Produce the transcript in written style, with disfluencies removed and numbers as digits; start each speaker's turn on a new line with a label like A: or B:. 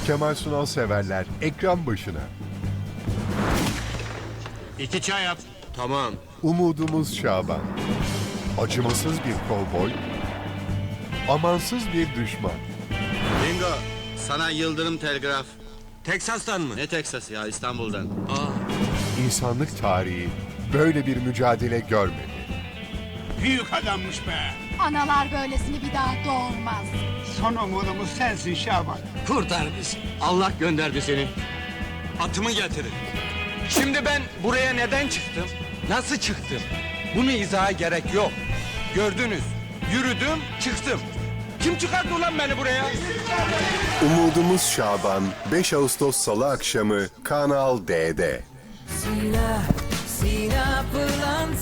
A: Kemal Sunal severler ekran başına.
B: 2 çay at.
C: Tamam.
A: Umudumuz Şaban. Acımasız bir kovboy, amansız bir düşman.
C: Bingo. Sana Yıldırım Telgraf.
B: Teksas'tan mı?
C: Ne Teksas ya, İstanbul'dan.
A: İnsanlık tarihi böyle bir mücadele görmedi.
D: Büyük adammış be.
E: Analar böylesini bir daha doğurmaz.
D: Son umudumuz sensin Şaban.
B: Kurtar bizi. Allah gönderdi seni. Atımı getirin. Şimdi ben buraya neden çıktım? Nasıl çıktım? Bunu izaha gerek yok. Gördünüz. Yürüdüm, çıktım. Kim çıkarttı ulan beni buraya?
A: Umudumuz Şaban 5 Ağustos Salı akşamı Kanal D'de.
F: Sina, Sina pela